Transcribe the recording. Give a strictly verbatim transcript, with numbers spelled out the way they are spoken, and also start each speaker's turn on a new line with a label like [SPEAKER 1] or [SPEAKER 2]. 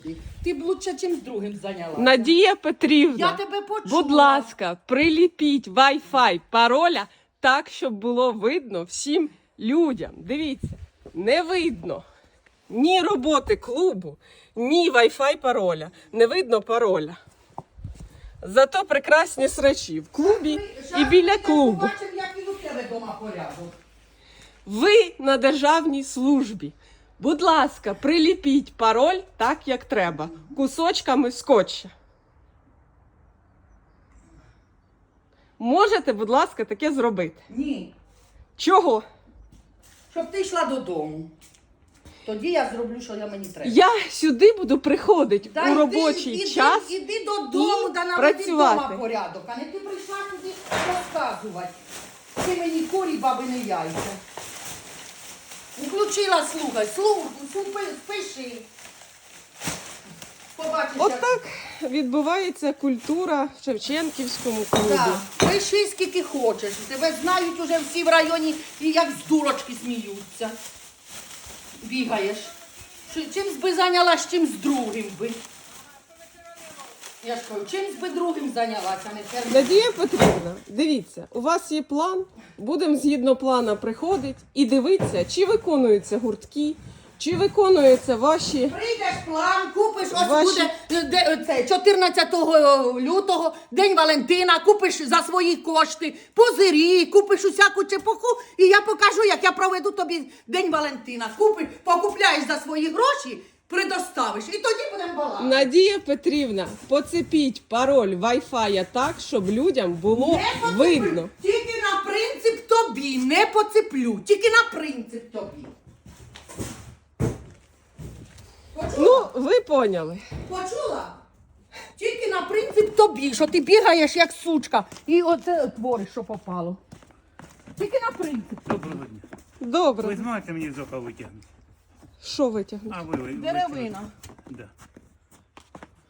[SPEAKER 1] Ти б лучше чим з другим зайнялася.
[SPEAKER 2] Надія Петрівна,
[SPEAKER 1] Я тебе почула.
[SPEAKER 2] будь ласка, приліпіть Wi-Fi пароля так, щоб було видно всім людям. Дивіться, не видно ні роботи клубу, ні Wi-Fi пароля. Не видно пароля. Зато прекрасні срачі в клубі і біля клубу.
[SPEAKER 1] Побачимо, як і у тебе вдома порядок.
[SPEAKER 2] Ви на державній службі. Будь ласка, приліпіть пароль так, як треба, кусочками скотча. Можете, будь ласка, таке зробити?
[SPEAKER 1] Ні.
[SPEAKER 2] Чого?
[SPEAKER 1] Щоб ти йшла додому. Тоді я зроблю, що я мені треба.
[SPEAKER 2] Я сюди буду приходити
[SPEAKER 1] Та
[SPEAKER 2] у
[SPEAKER 1] йди,
[SPEAKER 2] робочий
[SPEAKER 1] іди,
[SPEAKER 2] час.
[SPEAKER 1] Іди додому,
[SPEAKER 2] і
[SPEAKER 1] да наведи
[SPEAKER 2] працювати.
[SPEAKER 1] вдома порядок. А не ти прийшла туди розказувати. Ти мені курі, баби, не яйця. Включила, слухай, слухай, спиши. Побачиш, як...
[SPEAKER 2] Отак відбувається культура в Шевченківському клубі.
[SPEAKER 1] Так, пиши скільки хочеш. Тебе знають уже всі в районі і як з дурочки сміються. Бігаєш. Чимсь би зайнялась, чимсь другим би. Я ж кажу, чимсь би другим зайнялася, а не терміном.
[SPEAKER 2] Надія Петрівна, дивіться, у вас є план, будемо згідно плана приходити і дивитися, чи виконуються гуртки, чи виконуються ваші...
[SPEAKER 1] Прийдеш план, купиш, ось
[SPEAKER 2] Ваші-
[SPEAKER 1] буде е, де, це, чотирнадцятого лютого, День Валентина, купиш за свої кошти, позирі, купиш усяку чепуху, і я покажу, як я проведу тобі День Валентина. Купиш, покупляєш за свої гроші, предоставиш, і тоді будемо балакати.
[SPEAKER 2] Надія Петрівна, поцепіть пароль Wi-Fi так, щоб людям було
[SPEAKER 1] Не поцеплю.
[SPEAKER 2] видно.
[SPEAKER 1] Тільки на принцип тобі, не поцеплю, тільки на принцип тобі. Почула?
[SPEAKER 2] Ну, ви поняли.
[SPEAKER 1] Почула? Тільки на принцип тобі, що ти бігаєш як сучка і оце твориш, що попало. Тільки на принцип.
[SPEAKER 3] Доброго дня.
[SPEAKER 2] Добре.
[SPEAKER 3] Ви зможете мені з ока витягнути?
[SPEAKER 2] Що витягнути?
[SPEAKER 3] А ви, ви
[SPEAKER 1] Деревина.
[SPEAKER 3] Да.